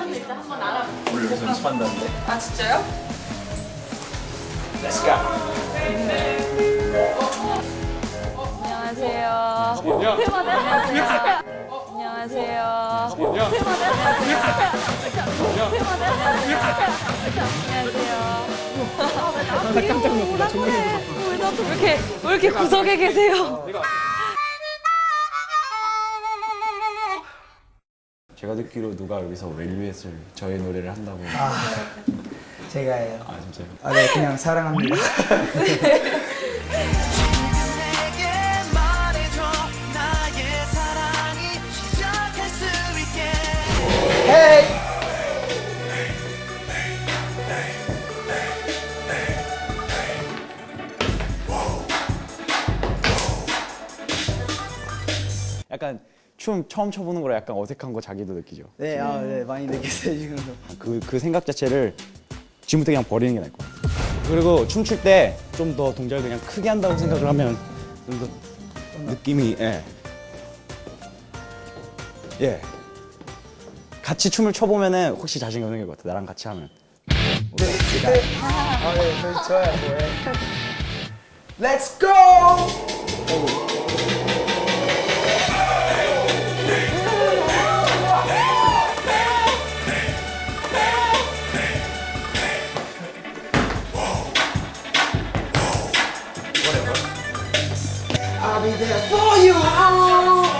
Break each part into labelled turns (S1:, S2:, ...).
S1: 오늘 여기서 연습한다는데?
S2: 아 진짜요?
S1: Let's go!
S2: 안녕하세요. 안녕하세요. 안녕하세요. 깜짝 놀랐어. 나 정말 왜 이렇게 구석에 계세요?
S3: 제가 듣기로 누가 여기서 웰류엣을 저의 노래를 한다고.
S4: 제가예요.
S3: 아 진짜요?
S4: 아, 네, 그냥 사랑합니다. 헤이!
S3: 약간 춤 처음 춰보는 거라 약간 어색한 거 자기도 느끼죠.
S4: 네, 네, 많이 느꼈어요, 지금도.
S3: 그 생각 자체를 지금부터 그냥 버리는 게 나을 것 같아요. 그리고 춤출 때 좀 더 동작을 그냥 크게 한다고 생각을 하면 좀 더 느낌이 예. 같이 춤을 춰보면은 혹시 자신감 생길 것 같아. 나랑 같이 하면.
S4: 네, 좋아요, 네. Let's go! I'll be there for you.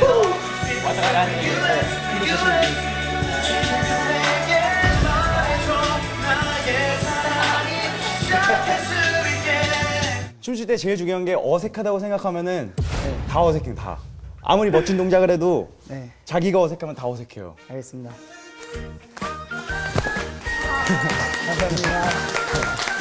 S3: 춤출 때 제일 중요한 게 어색하다고 생각하면은 다 어색해요, 다. 아무리 멋진 동작을 해도
S4: 네,
S3: 자기가 어색하면 다 어색해요.
S4: 알겠습니다. 감사합니다.